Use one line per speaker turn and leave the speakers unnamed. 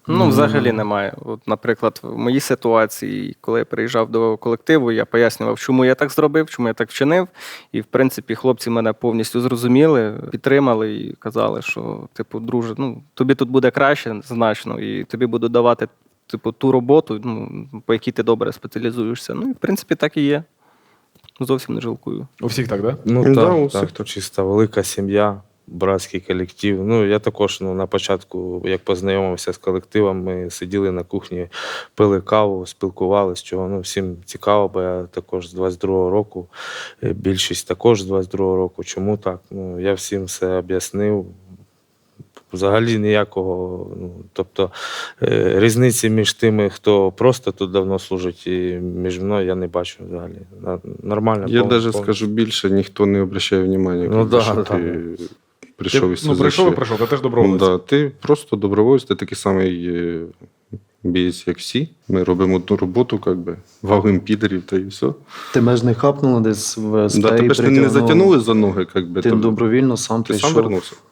Ну, взагалі немає. От, наприклад, в моїй ситуації, коли я приїжджав до колективу, я пояснював, чому я так зробив, чому я так вчинив. І, в принципі, хлопці мене повністю зрозуміли, підтримали і казали, що, типу, друже, ну, тобі тут буде краще значно, і тобі буду давати, типу, ту роботу, ну, по якій ти добре спеціалізуєшся. Ну, і, в принципі, так і є. Зовсім не жалкую.
У всіх так, да?
Ну,
Да, у
так,
всіх
так,
так.
чисто велика сім'я, братський колектив. Ну, я також на початку, як познайомився з колективом, ми сиділи на кухні, пили каву, спілкувалися, чого всім цікаво, бо я також з 22-го року, більшість також з 22-го року. Чому так? Ну, я всім все об'яснив. Взагалі ніякого, тобто різниці між тими, хто просто тут давно служить, і між мною я не бачу взагалі. Нормально.
Я навіть
повністю.
скажу більше, ніхто не обращає внимання,
Ну, да,
що
да.
ти прийшов і
Ну, прийшов, ти теж доброволець.
Да, ти просто добровольець, ти такий самий бієць, як всі. Ми робимо одну роботу, валим підерів та і все.
Тебе ж не хапнуло десь в
Да,
стаї,
тебе ж не затягнули за ноги,
Ти добровільно сам
ти сам
прийшов.
вернувся.